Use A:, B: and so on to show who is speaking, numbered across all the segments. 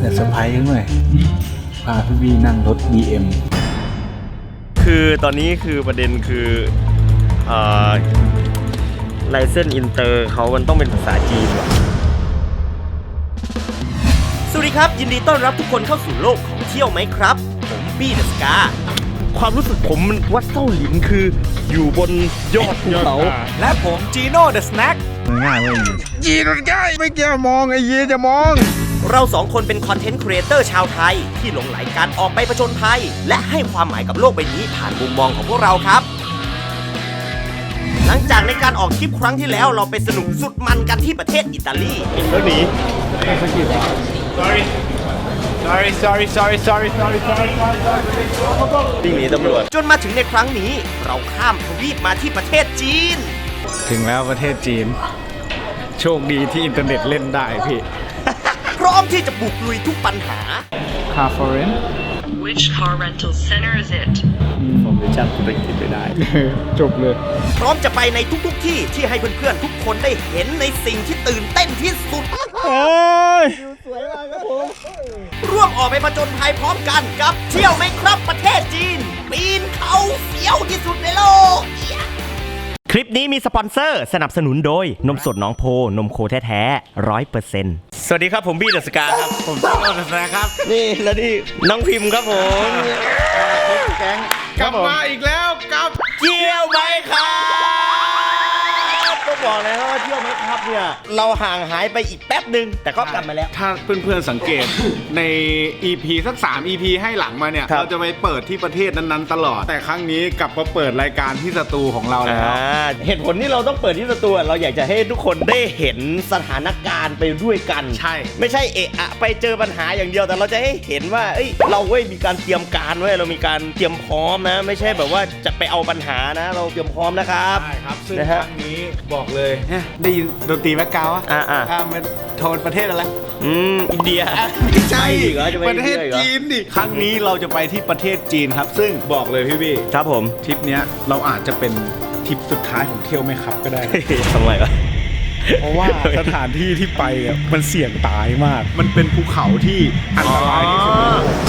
A: จะเซอร์ไพรส์กันหน่อยพาพี่บีนั่งรถ BM
B: คือตอนนี้คือประเด็นคือไลเซนส์อินเตอร์เขามันต้องเป็นภาษาจีนว่ะสวัสดีครับยินดีต้อนรับทุกคนเข้าสู่โลกของเที่ยวไหมครับผมบี้เดอะสกาความรู้สึกผมมันวัดเส้าหลินคืออยู่บนยอดภูเขาและผมจีโน่เดอะสแน็ค
A: ง่ายเว้ย
C: ยีนมันง่ายไม่เกี่ยวมองไอ้ยีจะมอง
B: เราสองคนเป็นคอนเทนต์ครีเอเตอร์ชาวไทยที่หลงไหลการออกไปผจญภัยและให้ความหมายกับโลกใบนี้ผ่านมุมมองของพวกเราครับหลังจากในการออกทริปครั้งที่แล้วเราไปสนุกสุดมันกันที่ประเทศอิตาลีแล้วหนี
C: sorry
B: วิ่งหนีตำรวจจนมาถึงในครั้งนี้เราข้ามทวีปมาที่ประเทศจีน
A: ถึงแล้วประเทศจีนโชคดีที่อินเทอร์เน็ตเล่นได้พี่
B: พร้อมที่จะบุกลุยทุกปัญหา
A: Car Foreign
D: Which car rental center is it?
A: ผมจะจำภาษาอังกฤษไม่ได้ จบเลย
B: พร้อมจะไปในทุกที่ที่ให้เพื่อนๆทุกคนได้เห็นในสิ่งที่ตื่นเต้นที่สุดร่วมออกไปผจญภัยพร้อมกันกับเที่ยวไหมครับประเทศจีนปีนเขาเสียวที่สุดในโลกคลิปนี้มีสปอนเซอร์สนับสนุนโดยนมสดน้องโพนมโคแท้ๆ100%สวัสดีครับผมบี้เดอะสกาครับผมจีโน่เดอะสกาครับนี่แล้วนี่น้องพิมพ์ครับผมแก๊ง
C: กลับมาอีกแล้วกับ
B: เที่ยวไหมครับก็บอกเลยว่าเที่ยวไหมครับเนี่ยเราห่างหายไปอีกแป๊บหนึ่งแต่ก็กลับมาแล้ว
C: ถ้าเพื่อนๆสังเกต ใน EP สัก3 EP ให้หลังมาเนี่ย
B: ครับ
C: เราจะไปเปิดที่ประเทศนั้นๆตลอดแต่ครั้งนี้กลับมาเปิดรายการที่สตูของเราแล้ว
B: เหตุผลที่เราต้องเปิดที่สตูเราอยากจะให้ทุกคนได้เห็นสถานการณ์ไปด้วยกัน
C: ใช่
B: ไม่ใช่เอะอะไปเจอปัญหาอย่างเดียวแต่เราจะให้เห็นว่าเอ้ยเรามีการเตรียมการไว้เรามีการเตรียมพร้อมนะไม่ใช่แบบว่าจะไปเอาปัญหานะ เราเตรียมพร้อมนะครับ
C: ใช่ครับซึ่ง
B: นะ
C: ค
B: ฮะ
C: รั้งนี้บอกเลยได้ยินดนตรีแบ็คกราวด์อ่ะ มันโทนประเทศอะไร
B: อินเดีย
C: ไม่ใช่
B: ไปอีกเหรอจะไป
C: ประเทศ
B: อินเดียอีกเหรอ
C: จีนดิครั้งนี้เราจะไปที่ประเทศจีนครับ ซึ่งบอกเลยพี่บี้
B: ครับผม
C: ทริปเนี้ยเราอาจจะเป็นทริปสุดท้ายของเที่ยวไหมครับก็ได้
B: ทำไมวะ
C: เพราะว่าสถานที่ที่ไปอ่ะมันเสี่ยงตายมาก มันเป็นภูเขาที่อันตรายที่สุด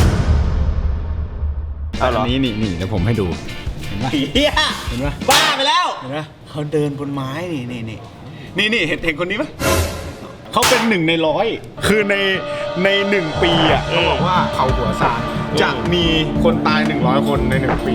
B: เอาเหรอ
C: อันนี้นี่เดี๋ยวผมให้ดู เห็นไหม
B: เฮีย
C: เห็นไหม
B: บ้าไปแล้ว
C: เห็นไหมเขาเดินบนไม้นี่เห็นคนนี้ไหมเขาเป็น1 ใน 100คือใน1 ปีอ่ะเขาบอกว่าเขาหัวซานจะมีคนตาย100 คนใน1 ปี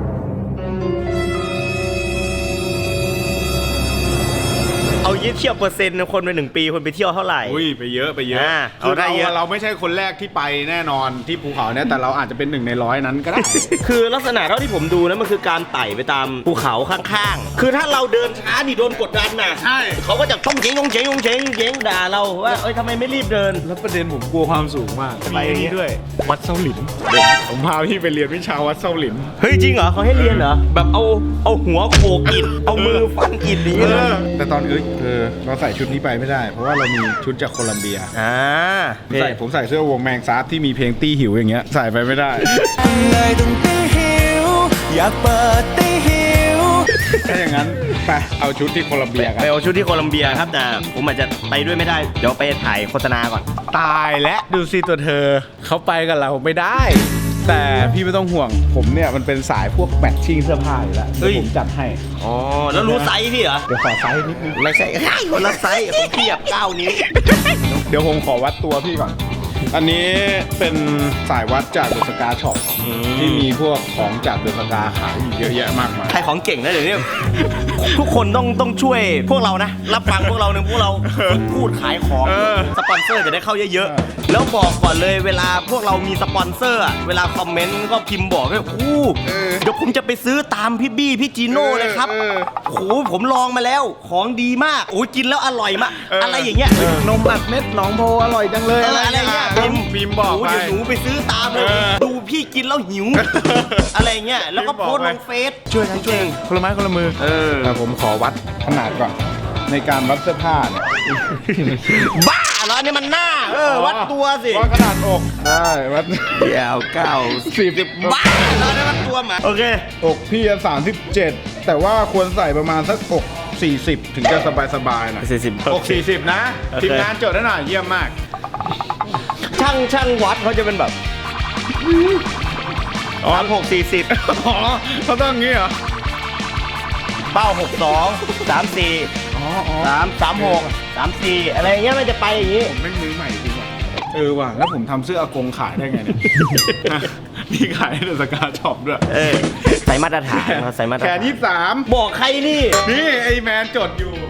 B: เอายึดเที่ยวเปอร์เซ็นต์คนไป1 ปีคนไปเที่ยวเท่าไหร่
C: อุ้ยไปเยอะ
B: เอาได้เยอะ
C: เราไม่ใช่คนแรกที่ไปแน่นอนที่ภูเขาเนี่ยแต่เราอาจจะเป็น1 ใน 100นั้นก็ได้
B: คือลักษณะเท่าที่ผมดูนะมันคือการไต่ไปตามภูเขาข้างๆ คือถ้าเราเดินช้านี่โดนกดดันน่ะ
C: ใช่
B: เขาก็จะต้องเจ๊งด่าเราว่าเอ้ยทำไมไม่รีบเดิน
C: แล้วประเด็นผมกลัวความสูงมาก
B: ไปอย่างงี้
C: มีด้วย วัดเซาหลินผมพาพี่ไปเรียนวิชาวัดเซาหลิน
B: เฮ้ยจริงเหรอเขาให้เรียนเหรอแบบเอาหัวโขกอิฐเอามือฟันอิฐอย่างนี้เลย
C: แต่ตอนเราใส่ชุดนี้ไปไม่ได้ เพราะว่าเรามีชุดจากโคลัมเบีย ผมใส่เสื้อวงแมงซาร์ที่มีเพลงตี้หิวอย่างเงี้ยใส่ไปไม่ได้ถ้าอย่างนั้นไปเอาชุดที่โคลัมเบียกัน
B: ไปเอาชุดที่โคลัมเบียครับแต่ผมอาจจะไปด้วยไม่ได้เดี๋ยวไปถ่ายโฆษณาก่อน
C: ตายและดูสิตัวเธอเขาไปกับเราไม่ได้ แต่พี่ไม่ต้องห่วงผมเนี่ยมันเป็นสายพวกแมทชิ่งเสื้อผ้าอยู่แล้ว
B: เฮ้
C: เดี๋ย
B: ย
C: วผมจัดให้
B: อ๋อแล้วรู้ไซส์พี่เหรอ
C: เดี๋ยวขอไซส์นิดนึง
B: ไม่ใช่คนละไซส์ผมเทียบ9 นิ้ว
C: เดี๋ยวผมขอวัดตัวพี่ก่อน อันนี้เป็นสายวัดจากเดอะสกาช็อปที่มีพวกของจากเดอะสกาขายอยู่เยอะแยะมากมาย
B: ใครของเก่งนะเดี๋ยวนี้ ทุกคนต้องช่วยพวกเรานะ รับฟังพวกเราพวกเราพูดขายของสปอนเซอร์จะได้เข้าเยอะๆแล้วบอกก่อนเลยเวลาพวกเรามีสปอนเซอร์อะเวลาคอมเมนต์ก็พิมพ์บอกด้วยเดี๋ยวผมจะไปซื้อตามพี่บี้พี่จีโน่เลยครับโอ้โหผมลองมาแล้วของดีมากโอ้ยกินแล้วอร่อยมากอะไรอย่างเงี้ย
C: นมอัดเม็ดหนองโพอร่อยจังเลย
B: อะไรเงี้ย
C: พิมพ์บอก
B: โอ้
C: ไป
B: เดี๋ยวหนูไปซื้อตามเลยดูพี่กินแล้วหิว อะไรเงี้ยแล้วก็โพสต์ลงเฟซ
C: ช่วยกันคนละไม้คนละมือแต่ผมขอวัดขนาดก่อนในการวัดเสื้อผ้าเนี่ย
B: บ้าเหรอเนี่ยมันหน้าวัดตัวสิ
C: วัดขนาดอกได้วัด
B: เดี๋ยว90บ้าเหรอเนี่ยวัดตัวหมาโอเค
C: อกพี่จะ37แต่ว่าควรใส่ประมาณสักอก40ถึงจะสบายๆหน่อย
B: 40
C: อก40นะ
B: โอเค
C: ทีมงานจดได้หน่อยเยี่ยมมาก
B: ช่างวัดเขาจะเป็นแบบ36 40
C: อ๋อเขาต้องอย่างงี้เหรอ
B: เป้า62 34
C: อ๋อ
B: 36 34อะไรอย่างเงี้ยมันจะไปอย่างงี้
C: ผมไม่มือใหม่จริงว่ะว่ะแล้วผมทำเสื้ออากงขายได้ไงเนี่ย มีขายในเดอะสกาช็อปด้วย
B: ใส่มาตรฐานใส่มาตร
C: แข
B: ฐาน
C: น23
B: บอกใครนี่
C: นี่ไอแมนจดอยู่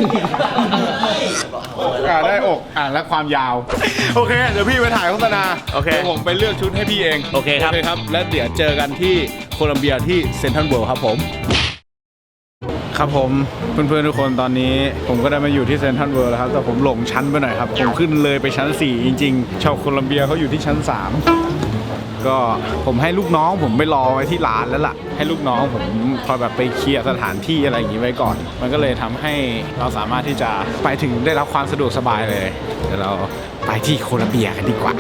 C: ได้อกและความยาว โอเค เดี๋ยวพี่ไปถ่ายโฆษณา
B: โอเค
C: ดี๋ยวผมไปเลือกชุดให้พี่เอง
B: โอเคครับ
C: แล้วเดี๋ยวเจอกันที่โคลัมเบียที่เซ็นทรัลเวิลด์ครับผม ครับผมเพื่อนๆทุกคนตอนนี้ผมก็ได้มาอยู่ที่เซ็นทรัลเวิลด์แล้วครับแต่ผมหลงชั้นไปหน่อยครับผมขึ้นเลยไปชั้น4จริงๆชาวโคลัมเบียเขาอยู่ที่ชั้น3ก็ผมให้ลูกน้องผมไปรอไว้ที่ร้านแล้วล่ะให้ลูกน้องผมคอยแบบไปเคลียร์สถานที่อะไรอย่างนี้ไว้ก่อนมันก็เลยทำให้เราสามารถที่จะไปถึงได้รับความสะดวกสบายเลยเดี๋ยวเราไปที่โคลัมเบียกันดีกว่า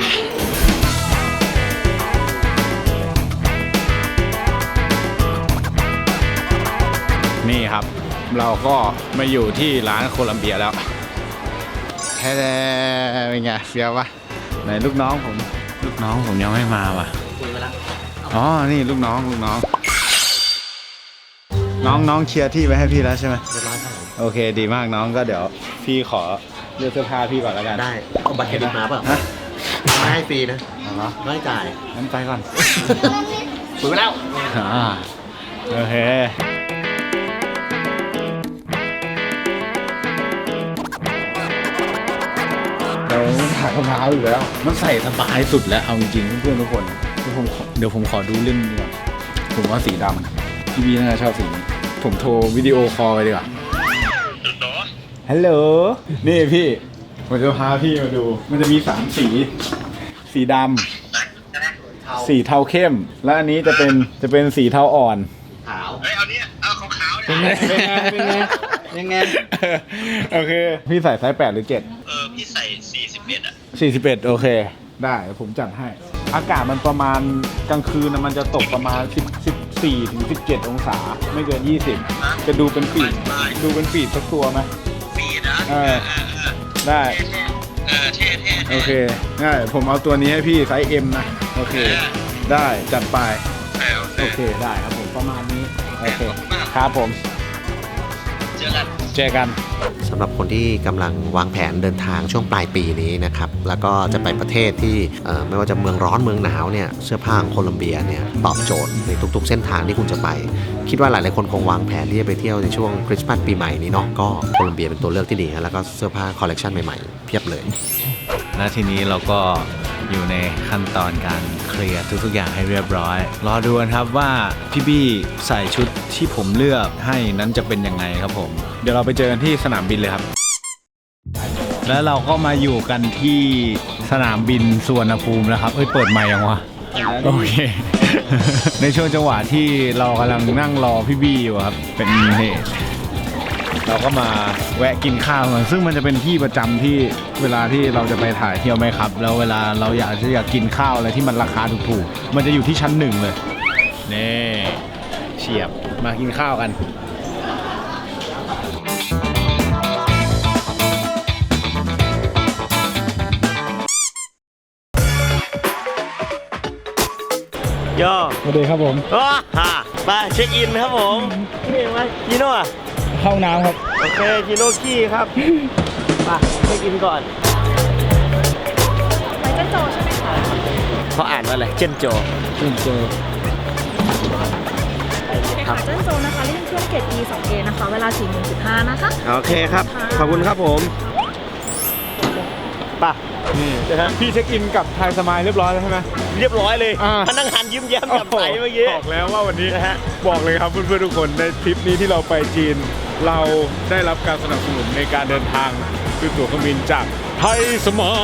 C: นี่ครับเราก็มาอยู่ที่ร้านโคลัมเบียแล้วแท้ๆเป็นไงเฟี้ยวปะไหนลูกน้องผมยังไม่มาว่ะอ๋อนี่ลูกน้องน้องเคลียร์ที่ไว้ให้พี่แล้วใช่ไหมเรียบร้อยครับโอเคดีมากน้องก็เดี๋ยวพี่ขอเลือกเสื้อผ้าพี่ก่อนแล้วกัน
E: ได้เอาบัตรเครดิตมาเปล่า
C: ฮะ
E: ไม่ให้ฟรีนะ
C: อ๋อ
E: ไม่จ่าย
C: งั้นไปก่อน
E: คุยไปแล้ว
C: โอเคเราถ่ายรองเท้าอยู่แล้วมันใส่สบายสุดแล้วเอาจริงๆเพื่อนๆทุกคนเดี๋ยวผมขอดูเล่นดีกว่าผมว่าสีดำพี่บีน่าจะชอบสีนี้ผมโทรวิดีโอคอลไปดีกว่าฮัลโหลนี่พี่ผมจะพาพี่มาดูมันจะมี3สีดำสีเทาเข้มและอันนี้จะเป็นสีเทาอ่อน
E: ขาว
C: เป็นไงโอเคพี่ใส่ไซส์8หรือ7
F: พี่ใส่41อ่ะ
C: 41โอเคได้ผมจัดให้อากาศมันประมาณกลางคืนนะมันจะตกประมาณ14ถึง17องศาไม่เกิน20จะดูเป็นปีดสักตัวไหม
F: ปีนะ
C: ได้
F: เท่
C: โอเคได้ผมเอาตัวนี้ให้พี่ไซส์ M นะโอเคได้จัดไปโอเคได้ครับผมประมาณนี้โอเคครับผมเจอกัน
E: สำหรับคนที่กำลังวางแผนเดินทางช่วงปลายปีนี้นะครับแล้วก็จะไปประเทศที่ไม่ว่าจะเมืองร้อนเมืองหนาวเนี่ยเสื้อผ้าของโคลัมเบียเนี่ยตอบโจทย์ในทุกๆเส้นทางที่คุณจะไปคิดว่าหลายๆคนคงวางแผนที่จะไปเที่ยวในช่วงคริสต์มาสปีใหม่นี้เนาะก็โคลัมเบียเป็นตัวเลือกที่ดีแล้วก็เสื้อผ้าคอลเลกชันใหม่ๆเพียบเลย
A: และทีนี้เราก็อยู่ในขั้นตอนการเคลียร์ทุกๆอย่างให้เรียบร้อยรอดูกันครับว่าพี่บี้ใส่ชุดที่ผมเลือกให้นั้นจะเป็นยังไงครับผมเดี๋ยวเราไปเจอกันที่สนามบินเลยครับแล้วเราก็มาอยู่กันที่สนามบินสุวรรณภูมิแล้วครับเปิดไมค์ยังวะโอเค ในช่วงจังหวะที่เรากำลังนั่งรอพี่บี้อยู่ครับเป็นเหตุเราก็มาแวะกินข้าวกันซึ่งมันจะเป็นที่ประจำที่เวลาที่เราจะไปถ่ายเที่ยวไหมครับแล้วเวลาเราอยากกินข้าวอะไรที่มันราคาถูกๆมันจะอยู่ที่ชั้น1เลยนี่เฉียบมากินข้าวกัน
B: ย่อ
C: สวัสดีครับผม
B: มาเช็คอินครับผมนี่มาจิโน่อะ
C: เข้าน้ำครับ
B: โอเคจิโน่ขี้ครับมาเช็คอินก่อนไปเจนโจใช่ไหมคะเขาอ่านว่าอะไรเจนโจ
G: ค่ะเจนโซนนะคะเล่นเครื่องเกต E 2A นะคะเวลา 4:15 นะคะ
B: โอเคครับขอบคุณครับผมป่ะ
C: นี่นะครับพี่เช็คอินกับไทยสมายเรียบร้อยแล้วใช่ไหม
B: เรียบร้อยเลย
C: พ
B: นักงานยิ้มแย้มแจ่มใสเมื่อกี้
C: บอกแล้วว่าวันนี้
B: นะฮะ
C: บอกเลยครับเพื่อนๆทุกคนในทริปนี้ที่เราไปจีน เราได้รับการสนับสนุนในการเดินทางด้วยตั๋วเครื่องบินจากไทยสมาย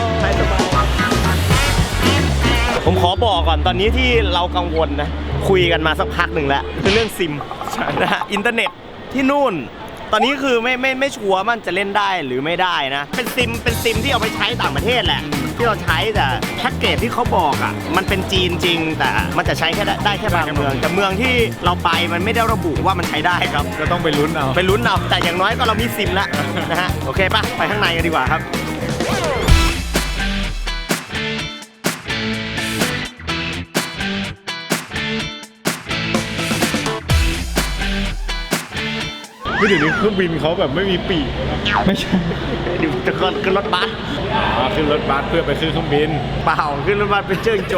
B: ผมขอบอกก่อนตอนนี้ที่เรากังวลนะคุยกันมาสักพักหนึ่งแล้วคือเรื่องซิมนะฮะอินเทอร์เน็ตที่นู่น ตอนนี้คือไม่ชัวร์มันจะเล่นได้หรือไม่ได้นะเป็นซิมที่เอาไปใช้ต่างประเทศแหละที่เราใช้แต่แพ็กเกจที่เขาบอกอ่ะมันเป็นจีนจริงแต่มันจะใช้แค่ได้แค่บางเมืองแต่เมืองที่เราไปมันไม่ได้ระบุว่ามันใช้ได้ครับ
C: ก็ต้องไปลุ้นเอา
B: ไปลุ้นเอาแต่อย่างน้อยก็เรามีซิมแล้วนะฮะโอเคป่ะไปข้างในกันดีกว่าครับ
C: เดี๋ยวนี้เครื่องบินเขาแบบไม่มีปีกแล้วไม่ใช่
B: ดูตะกอนขึ้นรถบัส
C: ขึ้นรถบัสเพื่อไปขึ้นเครื่องบิน
B: เปล่าขึ้นรถบัสเป็นเจิ้งโจ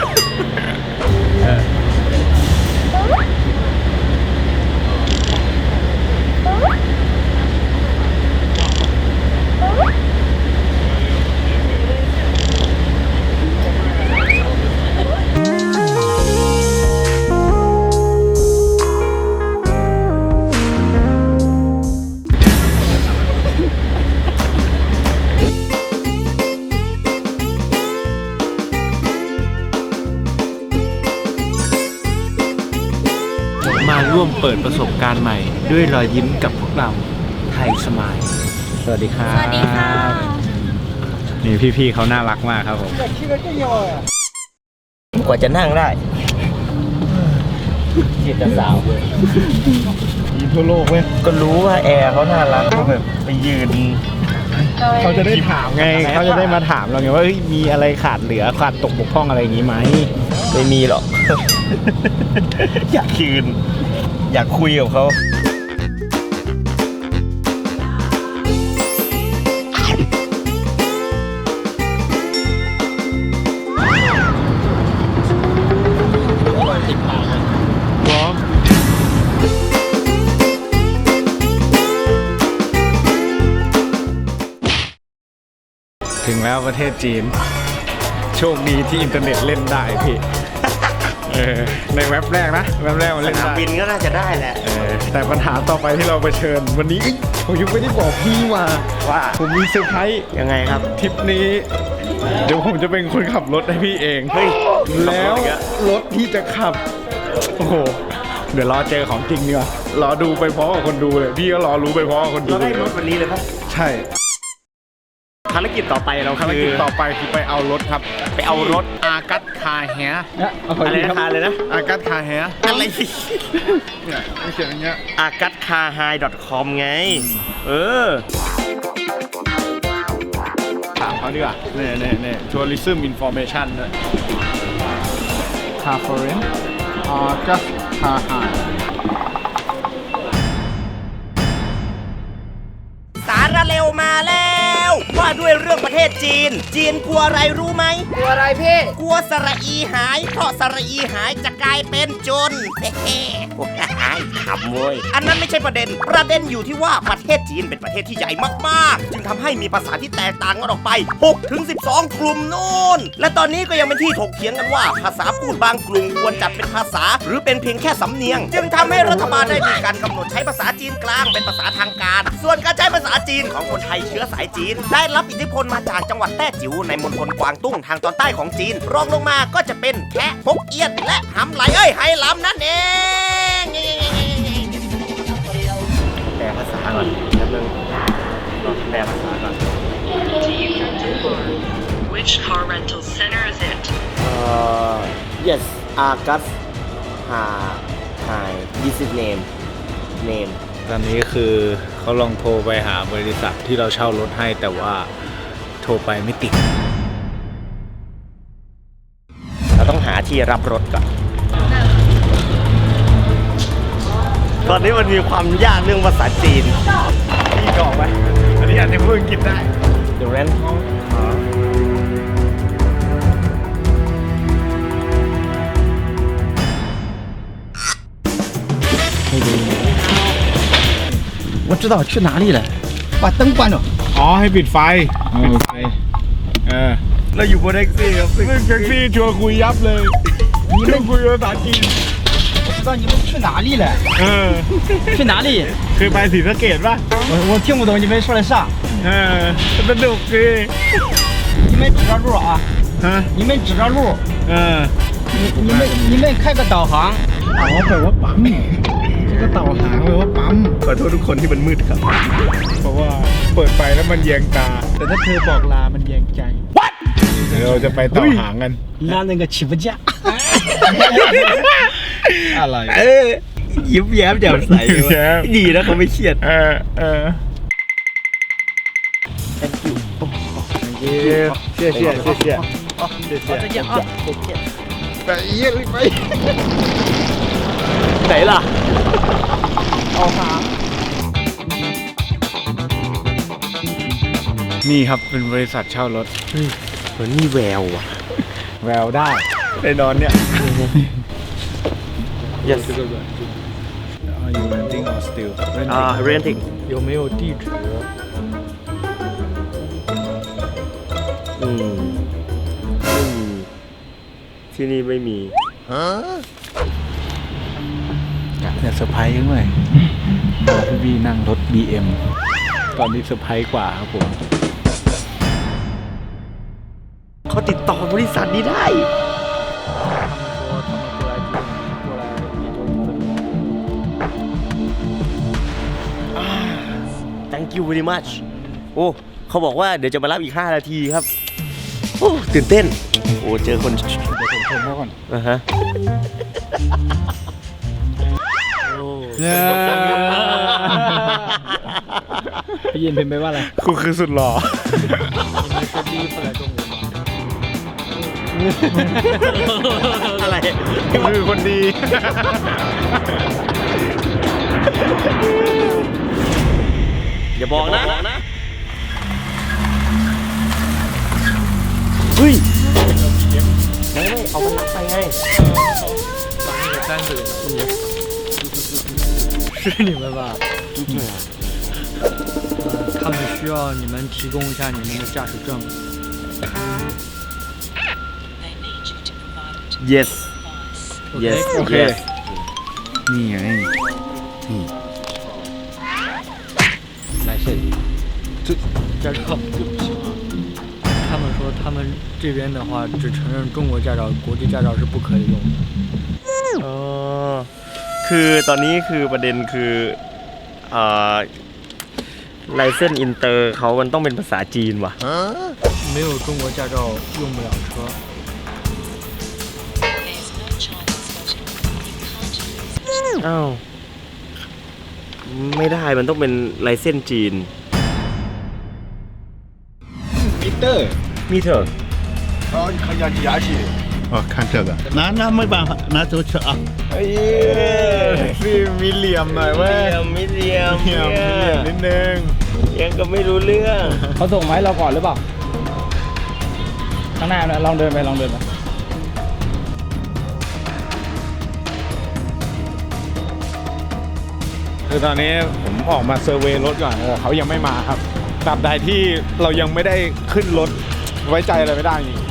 A: มาร่วมเปิดประสบการณ์ใหม่ ด้วยรอยยิ้มกับพวกเราไทยสมายสวัสดีครับ
G: สวัสดีค่ะ
A: นี่พี่ๆเขาน่ารักมากครับผม
B: กว่าจะนั่งได้จีบจะสาว
C: มีทั่วโลกเว้ย
B: ก็รู้ว่าแอร์เขาน่ารักเขาแบบไปยืน
C: เขาจะได้ถามไงเขาจะได้มาถามเราไงว่าเฮ้ยมีอะไรขาดเหลือขาดตกบกพร่องอะไรอย่างนี้ไหม
B: ไม่มีหรอก อยากคืน อยากคุยกับเขา
C: พร้อม ถึงแล้วประเทศจีน โชคดีที่อินเทอร์เน็ตเล่นได้พี่ ในเว็บแรกนะเว็บแรกมัน
B: ส
C: เล่น
B: นาม
C: ได้
B: บินก็น่าจะได้แหละ
C: แต่ปัญหาต่อไปที่เราเผชิญวันนี้ผมยังไม่ได้บอกพี่ว่า
B: ว่า
C: ผมมีเซอร์ไพรส์
B: ยังไงครับ
C: ทริปนี้ เดี๋ยวผมจะเป็นคนขับรถให้พี่เอง
B: เฮ้ย
C: แล้วรถที่จะขับ โอ้โห เดี๋ยวรอเจอของจริงดีกว่ารอดูไปพร้อมกับคนดูเลยพี่ก็รอรู้ไปพร้อมกับคนดู
B: เราได้รถวันนี้เลยครับ
C: ใช่
B: ภารกิจต่อไปเรา
C: ภาร
B: คื
C: กิจ
B: อ
C: ต่อไปคือไปเอารถครับ
B: ไปเอารถ
C: อากัสคาแฮร์
B: อะไรนะคาเลยนะ
C: อากัสคาแฮร์
B: อะไร
C: เนี่ยมันเขียนอย่างเงี้ย
B: agatcarhigh.com ไง เออ
C: ถามเขาดีกว่าเนี่ยtourism information ด้วย car foreign อากัสคาไฮ
B: สาระเร็วมาแล้ว ว่าด้วยเรื่องประเทศจีน จีนกลัวอะไรรู้ไหมกลัวอะไรพี่ กลัวสระอีหาย เพราะสระอีหายจะกลายเป็นจน เฮ้ๆขำเว้ยอันนั้นไม่ใช่ประเด็น ประเด็นอยู่ที่ว่าประเทศจีนเป็นประเทศที่ใหญ่มากๆ จึงทำให้มีภาษาที่แตกต่างกันออกไป 6-12 กลุ่มนู่น และตอนนี้ก็ยังเป็นที่ถกเถียงกันว่า ภาษาพูดบางกลุ่มควรจัดเป็นภาษา หรือเป็นเพียงแค่สำเนียง จึงทำให้รัฐบาลได้มีการกำหนดใช้ภาษาจีนกลางเป็นภาษาทางการ ส่วนการใช้ภาษาจีนของคนไทยเชื้อสายจีน ได้รับอิทธิพลมาจากจังหวัดแต้จิ๋วในมณฑลกวางตุ้งทางตอนใต้ของจีน รองลงมาก็จะเป็นแคะฮกเอี้ยนและหำไหลไหหลำนั่นเองแปลภาษาก่อนแป๊บนึงแปลภาษาก่อน
D: Do you rent a car? Which car rental center is it?
B: yes August Hi this is name
A: ตอนนี้คือเขาลองโทรไปหาบริษัทที่เราเช่ารถให้แต่ว่าโทรไปไม่ติด
B: เราต้องหาที่รับรถก่อน ตอนนี้มันมีความยากเรื่องภาษาจีน
C: พี่กรอกไว้อันนี้อาจจะพูดอังกฤษได้
B: The rent
H: 我知道去哪里了，把灯关了。
C: อ๋อให้ปิดไฟ โอเค
B: เราอยู่บนแท็กซี่ครับ
C: เรื่องแท็กซี่ชวนคุยยับเลยชวนคุยภาษาจีน
H: 我知道你们去哪里了， 去哪里？
C: เคยไปศรีสะเกษป่ะ
H: 我听不懂你们说的啥，
C: สนุกดี
H: 你们指着路啊，
C: ฮะ
H: 你们指着路， 你们开个导航。
C: อ๋อแปลว่าปั๊มก็เต่าหางแปลว่าปั๊ม
B: ขอโทษทุกคนที่มันมืดครับ
C: เพราะว่าเปิดไฟแล้วมันแยงตา แต่ถ้าเธอบอกลามันแยงใจ เดี๋ยวเราจะไปเต่าหางกัน
H: 那那个起步价，
C: อะไร
B: ยิ้มแย้มแจ่มใสดีนะเขาไม่เครียด
C: 谢谢谢谢
H: 再见啊。
C: ไปเยี่ยมไป
B: ไหนล่ะ
H: 导航。
A: นี่ครับเป็นบริษัทเช่ารถ
B: เหมือนมีแววว่ะ
A: แววได้ไอ้นอนเนี่ย
B: yes
A: Are you renting or still
B: renting
H: 有没有地址？
B: อืมไม่มีที่นี่ไม่มี
A: อยากจะเซอร์ไพรส์ยังไงพี่บีนั่งรถ BM ตอนนี้เซอร์ไพรส์กว่าครับผม
B: เขาติดต่อบริษัทนี้ได้ Thank you very much โอ้เขาบอกว่าเดี๋ยวจะมารับอีก 5 นาทีครับ โอ้ตื่นเต้น โอ้เจอคน
A: เดี๋ยวผมชมเขาก่อน
B: อ่ะฮะ
A: พี่ยินเป็นไปว่าอะไร
C: กูคือสุดหล่อ
B: อะไร
C: กูคือคนดี
B: อย่าบอกนะ เฮ้ยไม่เอามันรักไปไง
H: 是你们吧？对啊。他们需要你们提供一下你们的驾驶证。
B: yes yes
A: โอเค
B: yes
A: นี่ไง
H: 来这里。驾照。他们说他们这边的话只承认中国驾照，国际驾照是不可以用的。
B: อ๋อคือตอนนี้คือประเด็นคือไลเซนส์อินเตอร์เขามันต้องเป็นภาษาจีนว่ะ
H: 没有中国驾照用不了车。
B: อ้าว ไม่ได้มันต้องเป็นไลเซนส์จีน
C: มิเตอร์
B: มีเถอะ
C: 哦，看这个，那没办法，那就吃啊。哎呀，是มีเหลี่ยมหน่อยเว้ย
B: มิเรียม
C: เหลี่ยมนิดนึง
B: ยังก็ไม่รู้เรื่อง
A: เขาส่งมาให้เราก่อนหรือเปล่า ข้างหน้านะลองเดินไปลองเดินไปคือตอนนี้ผมออกมาเซอร์เวย์รถก่อนเขายังไม่มาครับตราบใดที่เรายังไม่ได้ขึ้นรถไว้ใจอะไรไม่ได้จริง